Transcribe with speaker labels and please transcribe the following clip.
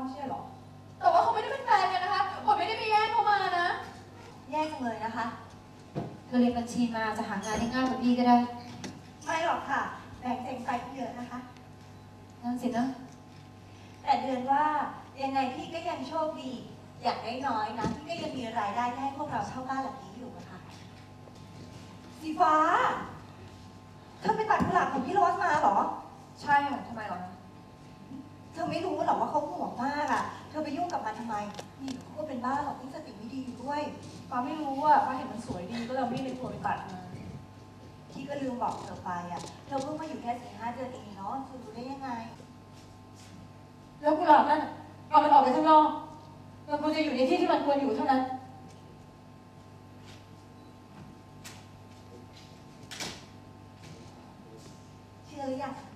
Speaker 1: ไม่ใช่หรอแต่ว่าเขาไม่ได้เป็นแฟนกันนะคะผมไม่ได้ไปแย่งเขามานะ
Speaker 2: แย่จังเลยนะคะ
Speaker 3: เธอเรียนบัญชีมาจะหางานได้ง่ายกว่าพี่ก็ได้
Speaker 2: ไม่หรอกค่ะแบ่งเต็มไปเยอะนะคะ
Speaker 3: นั่นสินะ
Speaker 2: แต่เดือนว่ายังไงพี่ก็ยังโชคดีอย่างน้อยๆนะพี่ก็ยังมีรายได้ให้พวกเราเช่าบ้านหลังนี้อยู่นะคะสีฟ้าเธอไปตัดกุหลาบของพี่โรสมาเหรอ
Speaker 3: ใช่ค่ะทำไมหรอ
Speaker 2: เธอไม่รู้หรอว่าเขาห่วงมากอ่ะเธอไปยุ่งกับมันทำไมนี่เขาก็เป็นบ้าหรอกที่สติไม่ดีอยู่ด้วย
Speaker 1: ฟ้าไม่รู้อ่ะฟ้าเห็นมันสวยดีก็เลยไม่ได้ควรไปตัดมา
Speaker 2: พี่ก็ลืมบอกเธอไปอ่ะเธอเพิ่งมาอยู่แค่4-5 เดือนเองเนาะเธอรู้ได้ยังไง
Speaker 1: แล้วกุหลาบนั่นเอามันออกไปข้างนอกมันควรจะอยู่ในที่ที่มันควรอยู่เท่านั้น
Speaker 2: เชื่อหรือยัง